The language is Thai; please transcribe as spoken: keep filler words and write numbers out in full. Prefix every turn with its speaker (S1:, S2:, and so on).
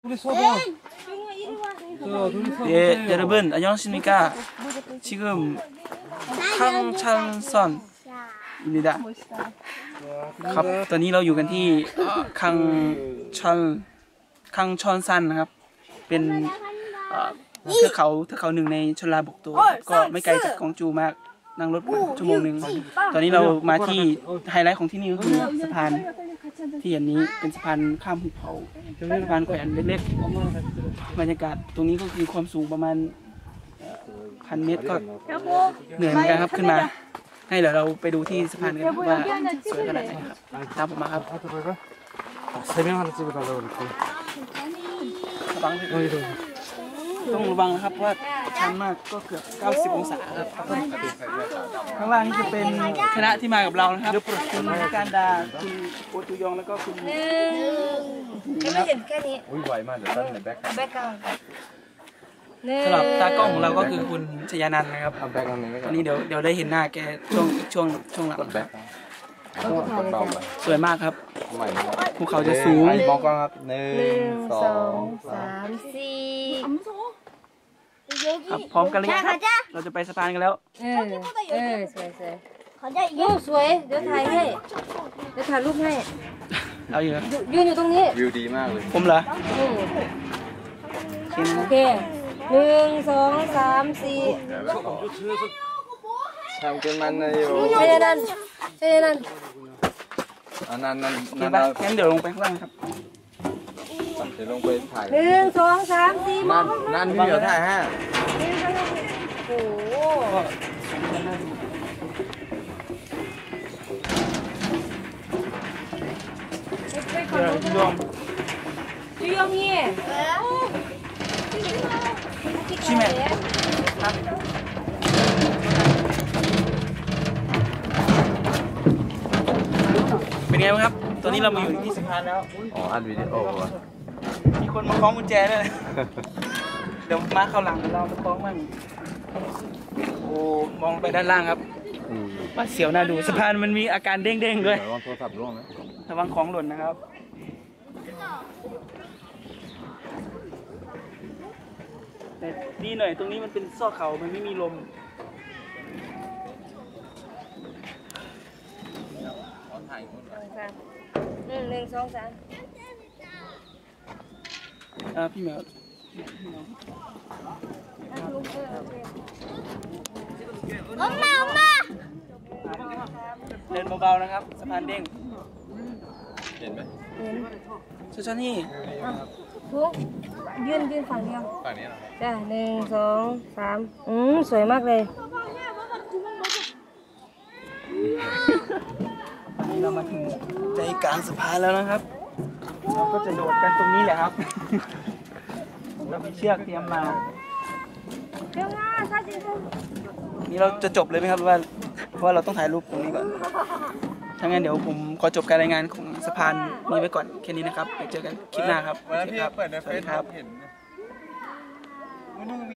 S1: 예, 여러분 안녕하십니까? 지금 강찬선입니다. ครับตอนนี้เราอยู่กันที่คังชอนคังชอนซันนะครับเป็นเทือกเขาเทือกเขาหนึ่งในชลบกตัวก็ไม่ไกลจากกองจูมากนั่งรถชั่วโมงหนึ่งตอนนี้เรามาที่ไฮไลท์ของที่นี่ก็คือสะพานที่อันนี้เป็นสะพานข้ามหุบเขาสะพานแขวนเล็กๆบรรยากาศตรงนี้ก็คือความสูงประมาณพันเมตรก็เหนื่อยเหมือนกันครับขึ้นมาให้เดี๋ยวเราไปดูที่สะพานกันว่าสวยขนาดไหนครับตามผมมาครับต้องระวังนะครับว่าชันมากก็เกือบเก้าสิบองศาครับข้างล่างนี่จะเป็นคณะที่มากับเรานะครับคุณการดาคุณโอตุยองแล้วก็คุณ
S2: ไม่เห็นแค่นี้
S3: อุ้ยไวมากเดี๋ยวตั้งในแบ็ค
S2: แบ็คกราวด์
S1: สำหรับตากล้องของเราก็คือคุณชยานันท์นะครับตอนนี้เดี๋ยวเดี๋ยวได้เห็นหน้าแกช่วงช่วงช่วงหลังสวยมากครับภูเขาจะสูง
S3: มองกล้องครับหนึ่งสอง
S2: สามสี่
S1: ครับพร้อมกันเลยครับเราจะไปสะพานกันแล้ว
S2: เออเออสวยสวยโอ้สวยเดี๋ยวถ่ายให้เดี๋ยวถ่ายรูปให้
S1: เอาอยู่
S2: ยืนอยู่ตรงนี้
S3: วิวดีมากเลย
S1: ผมเหรอ
S2: โอเคหนึ่งสองสามสี่
S3: ทำกันมันเลยอยู่
S2: เจนันเจนัน
S3: อันนั้นนั่น
S1: นั่นงั้นเดี๋ยวลงไปข้างล่างครับ
S3: เดี๋ยวลงไปถ่าย
S2: หนึ่งสองสามสี่
S3: นั่นนั่นพี่เดี๋ยวถ่ายฮะ
S2: โอ้โห
S1: เดี๋ยวพี่ยอม
S2: พี่ยอมนี่
S1: ชิเมะเป็นไงบ้างครับตอนนี้เรามาอยู่ที่สะพานแล้ว
S3: อ๋ออัดวิดีโอ
S1: มีคนมาคล้องกุญแจด้วยเดี๋ยวมาเข้าหลังเราไปคล้องมั่งโอ้มองไปด้านล่างครับว่าเสียวน่าดูสะพานมันมีอาการเด้งๆด้วย
S3: ระวังโทรศัพท์ร่วงนะ
S1: ระวังของหล่นนะครับแต่ดีหน่อยตรงนี้มันเป็นซอกเขามันไม่มีลม
S2: หนึ่งหนึ่งสองสาม
S1: อ่าพี่แมว
S2: อมมาอมมา
S1: เดินเบาๆนะครับสะพานเด้ง
S3: เห็นไหม
S2: เห็น
S1: ชชนี่
S2: ทุกยืนยืนฝั่งเดียว
S3: ฝั่งนี้เหรอ
S2: จ้ะหนึ่งสองสามอืมสวยมากเลย
S1: ตอนนี้เรามาถึงใจกลางสะพานแล้วนะครับเราก็จะโดดกันตรงนี้แหละครับเรามีเชือกเตรียมมานี่เราจะจบเลยไหมครับว่าเพราะว่าเราต้องถ่ายรูปตรงนี้ก่อนถ้างั้นเดี๋ยวผมขอจบการรายงานของสะพานนี้ไว้ก่อนแค่นี้นะครับไปเจอกันคลิปหน้าครับ
S3: วันที่เปิดในเฟซครับเห็น